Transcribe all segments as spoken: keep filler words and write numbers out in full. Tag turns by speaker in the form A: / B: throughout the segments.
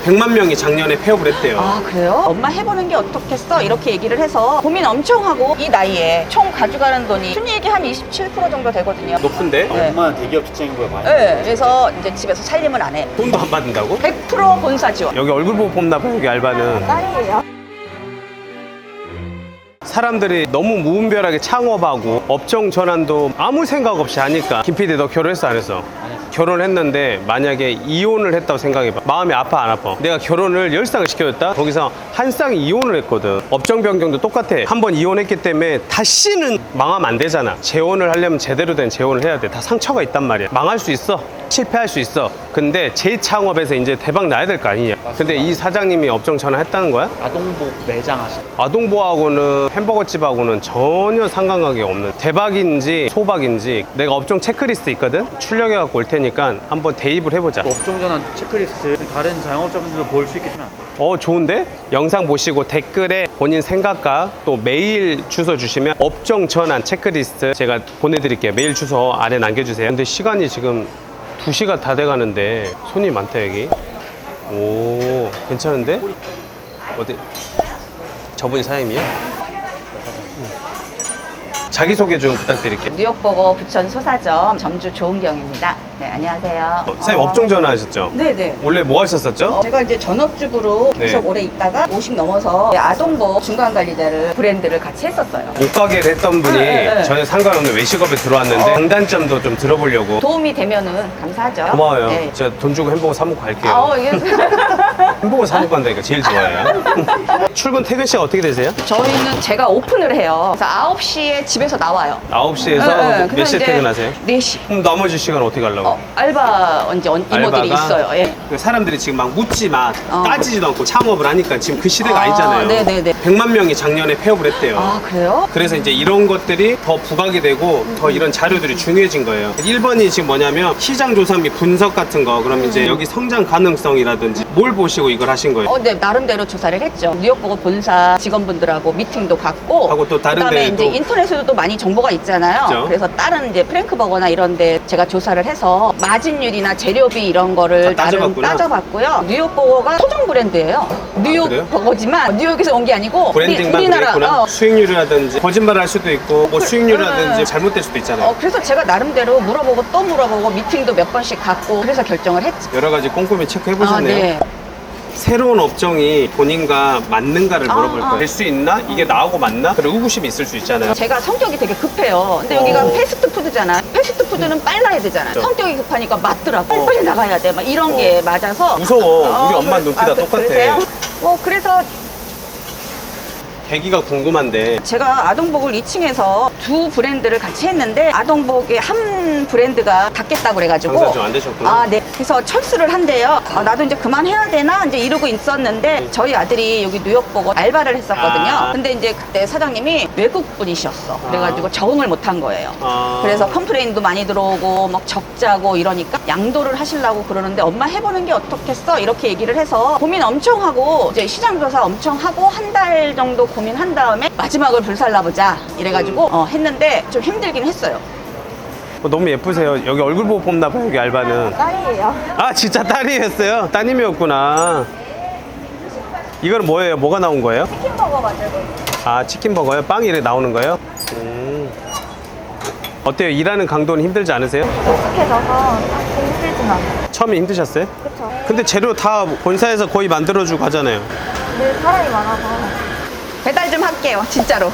A: 백만 명이 작년에 폐업을 했대요.
B: 아 그래요? 엄마 해보는 게 어떻겠어? 이렇게 얘기를 해서 고민 엄청 하고 이 나이에 총 가져가는 돈이 순이익이 한 이십칠 퍼센트 정도 되거든요.
A: 높은데?
B: 네.
C: 얼마나 대기업 직장인보다 많이
B: 네, 그래서 이제 집에서 살림을 안 해.
A: 돈도 안 받는다고?
B: 백 퍼센트 본사 지원.
A: 여기 얼굴 보고 뽑나 봐, 여기 알바는.
B: 딸이에요.
A: 사람들이 너무 무분별하게 창업하고 업종 전환도 아무 생각 없이 하니까. 김 피디 너 결혼했어 안 했어? 결혼했는데 만약에 이혼을 했다고 생각해봐. 마음이 아파 안 아파? 내가 결혼을 열 쌍을 시켜줬다? 거기서 한 쌍이 이혼을 했거든. 업종 변경도 똑같아. 한 번 이혼했기 때문에 다시는 망하면 안 되잖아. 재혼을 하려면 제대로 된 재혼을 해야 돼. 다 상처가 있단 말이야. 망할 수 있어. 실패할 수 있어. 근데 재창업에서 이제 대박 나야 될 거 아니냐. 근데 이 사장님이 업종 전환했다는 거야?
C: 아동복 매장 하시
A: 아동보하고는 햄버거집하고는 전혀 상관관계가 없는, 대박인지 소박인지 내가 업종 체크리스트 있거든? 출력해갖고 올 테니까 한번 대입을 해보자.
C: 업종 전환 체크리스트 다른 자영업자분들도 볼 수 있게 하면 안 돼요?
A: 어 좋은데? 영상 보시고 댓글에 본인 생각과 또 메일 주소 주시면 업종 전환 체크리스트 제가 보내드릴게요. 메일 주소 아래 남겨주세요. 근데 시간이 지금 두 시가 다 돼가는데 손이 많다 여기. 오 괜찮은데? 어디? 저분이 사장님이야? 자기소개 좀 부탁드릴게요.
B: 뉴욕버거 부천 소사점 점주 조은경입니다. 네, 안녕하세요.
A: 어, 사장님 업종 전환하셨죠?
B: 네네.
A: 원래 뭐 하셨었죠?
B: 어, 제가 이제 전업주부로
A: 네.
B: 계속 오래 있다가 오십 넘어서 아동복 중간관리자를 브랜드를 같이 했었어요.
A: 옷가게를 했던 분이
B: 네, 네.
A: 전혀 상관없는 외식업에 들어왔는데
B: 어.
A: 장단점도 좀 들어보려고.
B: 도움이 되면은 감사하죠.
A: 고마워요.
B: 네.
A: 제가 돈 주고 햄버거 사 먹고 갈게요.
B: 아, 어, 이게
A: 햄버거 사 먹고 간다니까 제일 좋아해요. 출근 퇴근 시간 어떻게 되세요?
B: 저희는 제가 오픈을 해요. 그래서 아홉 시에 집에서 나와요.
A: 아홉 시에서
B: 네, 네.
A: 몇
B: 그래서
A: 시에
B: 이제
A: 퇴근하세요?
B: 네 시.
A: 그럼 나머지 시간 어떻게 가려고?
B: 어, 알바 이제 언- 이모들이
A: 알바가?
B: 있어요. 예.
A: 그 사람들이 지금 막 묻지 마,
B: 어.
A: 따지지도 않고 창업을 하니까 지금 그 시대가
B: 아,
A: 아, 니잖아요
B: 네네네.
A: 백만 명이 작년에 폐업을 했대요.
B: 아, 그래요?
A: 그래서 이제 이런 것들이 더 부각이 되고 더 이런 자료들이 중요해진 거예요. 일 번이 지금 뭐냐면 시장 조사 및 분석 같은 거. 그럼
B: 음.
A: 이제 여기 성장 가능성이라든지 뭘 보시고 이걸 하신 거예요?
B: 어, 네, 나름대로 조사를 했죠. 뉴욕버거 본사 직원분들하고 미팅도 갖고,
A: 하고 또 다른
B: 그다음에
A: 데도.
B: 이제 인터넷에도 또 많이 정보가 있잖아요.
A: 그죠.
B: 그래서 다른 이제 프랭크버거나 이런데 제가 조사를 해서 마진율이나 재료비 이런 거를
A: 다
B: 나름
A: 따져봤구나.
B: 따져봤고요. 뉴욕버거가 소정 브랜드예요. 뉴욕
A: 그래요?
B: 버거지만 뉴욕에서 온 게 아니고
A: 브랜딩만
B: 우리, 우리나라
A: 그랬구나.
B: 어,
A: 수익률이라든지 거짓말 할 수도 있고 뭐 수익률이라든지
B: 음.
A: 잘못될 수도 있잖아요.
B: 어, 그래서 제가 나름대로 물어보고 또 물어보고 미팅도 몇 번씩 갖고 그래서 결정을 했죠.
A: 여러 가지 꼼꼼히 체크해
B: 아,
A: 보셨네요.
B: 네.
A: 새로운 업종이 본인과 맞는가를
B: 아,
A: 물어볼
B: 아.
A: 거예요. 될 수 있나? 이게 나하고 맞나? 그리고 의구심이 있을 수 있잖아요.
B: 제가 성격이 되게 급해요. 근데 여기가
A: 어.
B: 패스트푸드잖아. 패스트푸드는 빨라야 되잖아.
A: 그렇죠.
B: 성격이 급하니까 맞더라고.
A: 어.
B: 빨리 나가야 돼. 막 이런
A: 어.
B: 게 맞아서.
A: 무서워. 우리 엄마
B: 그래-
A: 눈빛 다
B: 그-
A: 똑같아.
B: 그러세요? 어, 그래서
A: 계기가 궁금한데
B: 제가 아동복을 이 층에서 두 브랜드를 같이 했는데 아동복의 한 브랜드가 닫겠다고 그래가지고
A: 장사 좀 안 되셨구나.
B: 아, 네. 그래서 철수를 한대요. 아, 나도 이제 그만해야 되나 이제 이러고 있었는데 저희 아들이 여기 뉴욕버거 알바를 했었거든요.
A: 아.
B: 근데 이제 그때 사장님이 외국 분이셨어. 그래가지고 적응을 못한 거예요.
A: 아.
B: 그래서 컴플레인도 많이 들어오고 막 적자고 이러니까 양도를 하시려고 그러는데 엄마 해보는 게 어떻겠어? 이렇게 얘기를 해서 고민 엄청 하고 이제 시장 조사 엄청 하고 한 달 정도 고민한 다음에 마지막을 불살라보자 이래가지고 어, 했는데 좀 힘들긴 했어요.
A: 어, 너무 예쁘세요. 여기 얼굴 보고 뽑나 봐요, 여기 알바는.
B: 딸이에요.
A: 아, 진짜 딸이었어요? 따님이었구나. 이거는 뭐예요? 뭐가 나온 거예요?
B: 치킨버거 맞아요.
A: 아, 치킨버거요? 빵이 이렇게 나오는 거예요? 음. 어때요? 일하는 강도는 힘들지 않으세요?
D: 익숙해져서 힘들진 않아요.
A: 처음에 힘드셨어요?
D: 그쵸.
A: 근데 재료 다 본사에서 거의 만들어주고 가잖아요.
D: 늘 사람이 많아서.
B: 배달 좀 할게요, 진짜로.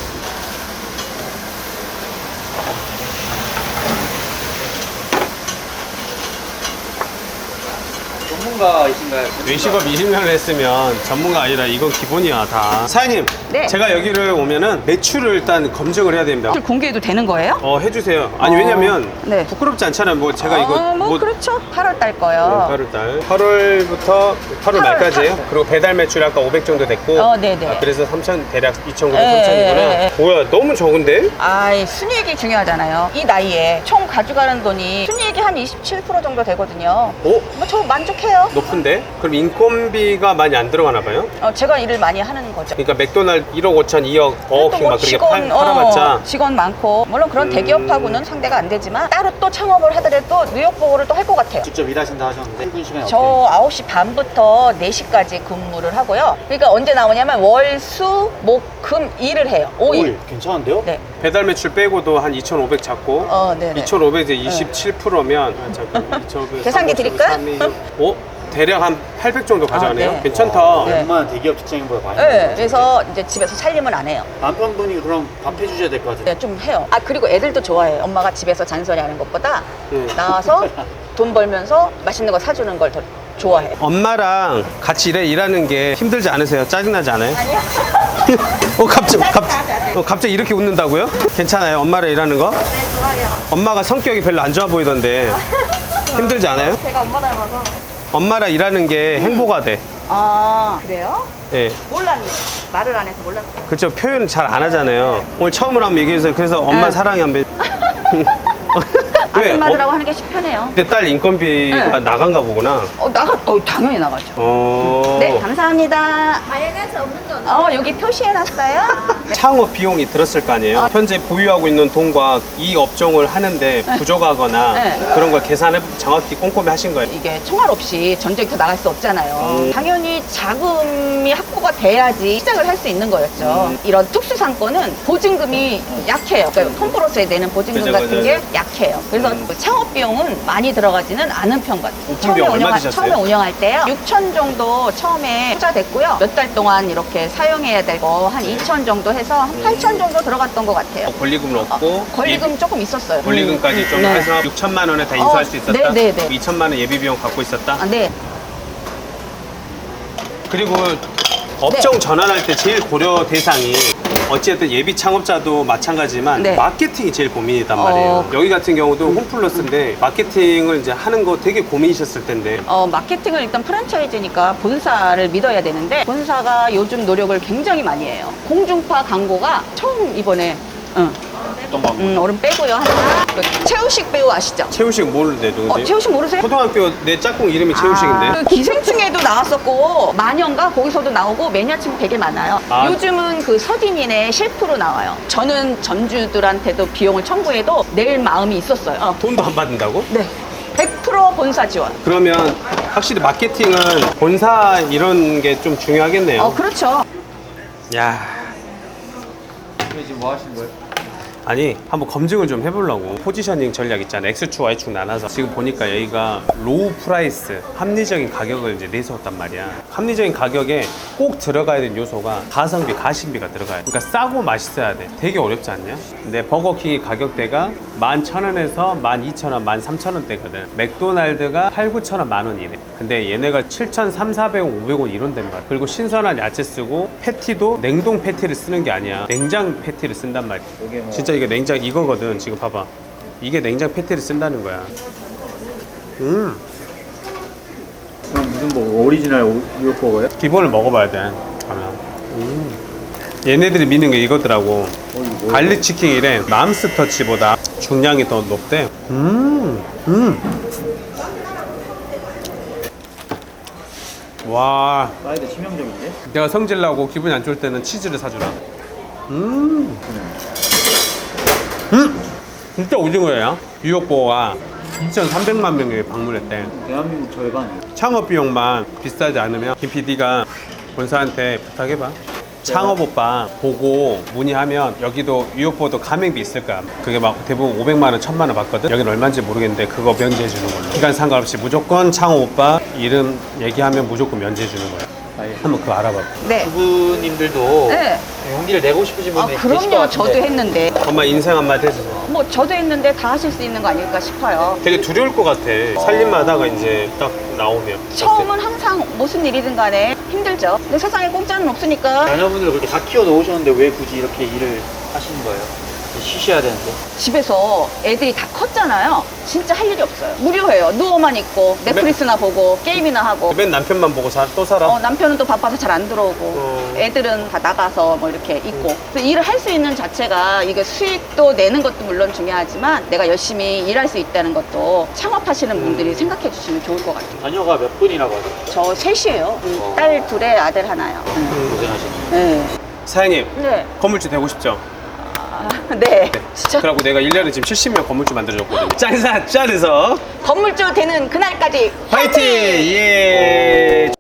C: 전문가이신가요?
A: 외식업 이십 년을 했으면 전문가 아니라 이건 기본이야 다. 사장님,
B: 네.
A: 제가 여기를 오면은 매출을 일단 검증을 해야 됩니다.
B: 공개해도 되는 거예요?
A: 어, 해주세요. 아니
B: 어,
A: 왜냐면
B: 네.
A: 부끄럽지 않잖아요. 뭐 제가 이거
B: 어, 뭐, 그렇죠. 팔월 달 거요.
A: 팔월 달. 팔월부터 팔월 말까지예요. 그리고 배달 매출이 아까 오백 정도 됐고.
B: 어, 네네.
A: 아, 그래서 삼천 대략 이천구백,
B: 예,
A: 삼천이구나.
B: 예, 예.
A: 뭐야, 너무 적은데?
B: 아이, 순이익이 중요하잖아요. 이 나이에 총 가져가는 돈이 순이익이 한 이십칠 퍼센트 정도 되거든요.
A: 어?
B: 뭐 저 만족해요.
A: 높은데? 그럼 인건비가 많이 안 들어가나 봐요?
B: 어, 제가 일을 많이 하는 거죠.
A: 그러니까 맥도날드 일억 오천, 이억, 버거킹 막 그렇게 팔, 팔아봤자
B: 어, 직원 많고 물론 그런
A: 음.
B: 대기업하고는 상대가 안 되지만 따로 또 창업을 하더라도 뉴욕 버거를 또 할 것 같아요.
C: 직접 일하신다 하셨는데 출근 시간이
B: 저 아홉 시 반부터 네 시까지 근무를 하고요. 그러니까 언제 나오냐면 월, 수, 목, 금, 일을 해요. 오 일.
C: 오 일 괜찮은데요?
B: 네.
A: 배달 매출 빼고도 한 이천오백 잡고
B: 어, 네네.
A: 이천오백에 이십칠 퍼센트면 잠깐 이천오백
B: 계산기 드릴까요?
A: 어? 대략 한 팔백 정도 가져가네요.
B: 네.
A: 괜찮다.
B: 네.
C: 웬만한 대기업 직장인보다 많이
B: 네.
C: 벌어요.
B: 그래서 이제 집에서 살림은 안 해요.
C: 남편분이 그럼 밥 해주셔야 될 것 같은데
B: 네, 좀 해요. 아, 그리고 애들도 좋아해요. 엄마가 집에서 잔소리 하는 것보다
A: 음.
B: 나와서 돈 벌면서 맛있는 거 사주는 걸 더 좋아해요.
A: 엄마랑 같이 일해, 일하는 게 힘들지 않으세요? 짜증나지 않아요? 아니요. 어, 갑자기, 갑, 어, 갑자기 이렇게 웃는다고요? 괜찮아요? 엄마랑 일하는 거?
D: 네, 좋아요.
A: 엄마가 성격이 별로 안 좋아 보이던데 힘들지 않아요?
D: 제가 엄마 닮아서.
A: 엄마랑 일하는 게 행복하대.
B: 아, 그래요?
A: 예.
B: 몰랐네. 말을 안 해서 몰랐어요.
A: 그렇죠. 표현 잘 안 하잖아요. 오늘 처음으로 한번 얘기해서 그래서 엄마
B: 네.
A: 사랑해 한번. 왜?
B: 아줌마들하고
A: 어,
B: 하는 게 편해요.
A: 내 딸 인건비가
B: 네.
A: 나간가 보구나.
B: 어, 나가, 어, 당연히 나가죠.
A: 어.
B: 네, 감사합니다.
D: 마요네즈 없는 건
B: 어, 여기 표시해놨어요.
A: 창업 비용이 들었을 거 아니에요. 현재 보유하고 있는 돈과 이 업종을 하는데 부족하거나
B: 네.
A: 그런 걸 계산해 정확히 꼼꼼히 하신 거예요.
B: 이게 총알 없이 전쟁터 나갈 수 없잖아요.
A: 음.
B: 당연히 자금이 확보가 돼야지 시작을 할 수 있는 거였죠.
A: 음.
B: 이런 특수 상권은 보증금이 약해요. 그러니까 홈프로스에 내는 보증금
A: 그죠,
B: 같은
A: 그죠.
B: 게 약해요. 그래서
A: 음.
B: 그 창업 비용은 많이 들어가지는 않은 편 같아요.
A: 오픈 비용 얼마 드셨어요?
B: 처음에 운영할 때요. 육천 정도 처음에 투자됐고요. 몇 달 동안 이렇게 사용해야 되고 한 이천 정도 해서 한 팔천 정도 들어갔던 것 같아요.
A: 어, 권리금을 얻고
B: 권리금 조금 있었어요.
A: 권리금까지
B: 음,
A: 좀
B: 네.
A: 해서 육천만 원에 다 인수할
B: 어,
A: 수 있었다.
B: 네, 네, 네.
A: 이천만 원 예비 비용 갖고 있었다.
B: 아, 네.
A: 그리고 업종 전환할 때 제일 고려 대상이 어쨌든 예비 창업자도 마찬가지지만
B: 네.
A: 마케팅이 제일 고민이단
B: 어.
A: 말이에요. 여기 같은 경우도 홈플러스인데 마케팅을 이제 하는 거 되게 고민이셨을 텐데
B: 어, 마케팅을 일단 프랜차이즈니까 본사를 믿어야 되는데 본사가 요즘 노력을 굉장히 많이 해요. 공중파 광고가 처음 이번에 응.
C: 어떤 방법?
B: 음, 얼음 빼고요. 하나. 그 최우식 배우 아시죠?
A: 최우식 모르는데 누군데?
B: 어, 최우식 모르세요?
A: 초등학교 내 짝꿍 이름이 최우식인데.
B: 아, 그 기생충에도 나왔었고 마녀인가 거기서도 나오고 매니아층 되게 많아요.
A: 아.
B: 요즘은 그 서딘인의 셰프로 나와요. 저는 전주들한테도 비용을 청구해도 낼 마음이 있었어요. 어.
A: 돈도 안 받는다고?
B: 네. 백 퍼센트 본사 지원.
A: 그러면 확실히 마케팅은 본사 이런 게 좀 중요하겠네요.
B: 어, 그렇죠.
A: 야.
C: 근데 지금 뭐 하시는 거예요?
A: 아니 한번 검증을 좀 해보려고. 포지셔닝 전략 있잖아. X축 Y축 나눠서 지금 보니까 여기가 로우 프라이스 합리적인 가격을 이제 내세웠단 말이야. 합리적인 가격에 꼭 들어가야 되는 요소가 가성비 가심비가 들어가야 돼. 그러니까 싸고 맛있어야 돼. 되게 어렵지 않냐? 근데 버거킹의 가격대가 만 천 원에서 만 이천 원, 만 삼천 원대거든. 맥도날드가 팔, 구천 원, 만 원이래. 근데 얘네가 칠천 삼, 사백 원, 오백 원 이런 덴 말이야. 그리고 신선한 야채 쓰고 패티도 냉동 패티를 쓰는 게 아니야. 냉장 패티를 쓴단 말이야.
C: 이게 뭐
A: 진짜 이게 냉장 이거거든. 지금 봐봐. 이게 냉장 패티를 쓴다는 거야. 음,
C: 그럼 무슨 뭐 오리지널 오- 뉴욕 버거예요?
A: 기본을 먹어봐야 돼. 그러면. 음. 얘네들이 미는 게 이거더라고.
C: 어, 이거 뭐예요?
A: 갈릭 치킨이래. 맘스터치보다 중량이 더 높대. 음, 음. 와,
C: 사이드 치명적인데?
A: 내가 성질 나고 기분이 안 좋을 때는 치즈를 사주라. 음, 음, 진짜 오징어예요. 뉴욕 버거가 이천삼백만 명이 방문했대.
C: 대한민국 절반이에요.
A: 창업 비용만 비싸지 않으면 김 피디가 본사한테 부탁해봐. 창업 오빠 보고 문의하면 여기도 뉴욕버도 가맹비 있을 거야. 그게 막 대부분 오백만 원, 천만 원 받거든. 여기는 얼마인지 모르겠는데 그거 면제해 주는 걸로. 기간 상관없이 무조건 창업 오빠 이름 얘기하면 무조건 면제해 주는 거야.
C: 아예.
A: 한번 그거 알아봐.
B: 네.
C: 부부님들도
B: 네.
C: 용기를 내고 싶으신
B: 아,
C: 분이 계실 것
B: 그럼요.
C: 같은데
B: 저도 했는데.
A: 엄마 인생 한마디 해주세요.
B: 뭐 저도 했는데 다 하실 수 있는 거 아닐까 싶어요.
A: 되게 두려울 것 같아. 살림하다가 이제 딱 나오면.
B: 처음은 항상 무슨 일이든 간에 힘들죠. 근데 세상에 공짜는 없으니까.
C: 자녀분들 그렇게 다 키워 놓으셨는데 왜 굳이 이렇게 일을 하시는 거예요? 쉬셔야 되는데.
B: 집에서 애들이 다 컸잖아요. 진짜 할 일이 없어요. 무료해요. 누워만 있고 넷플릭스나 보고 게임이나 하고.
A: 맨 남편만 보고 자, 또 살아?
B: 어, 남편은 또 바빠서 잘 안 들어오고
A: 어.
B: 애들은 다 나가서 뭐 이렇게 있고. 그래서 일을 할 수 있는 자체가 이게 수익도 내는 것도 물론 중요하지만 내가 열심히 일할 수 있다는 것도 창업하시는 분들이 생각해 주시면 좋을 것 같아요.
C: 자녀가 몇 분이라고 하죠?
B: 저 셋이에요.
C: 어.
B: 딸 둘에 아들 하나요.
C: 고생하시네.
B: 네.
A: 사장님,
B: 네.
A: 건물주 되고 싶죠?
B: 아, 네. 진짜
A: 그래갖고 내가 일 년에 지금 칠십 명 건물주 만들어줬거든요. 짠사 짠해서
B: 건물주 되는 그날까지
A: 화이팅! 예!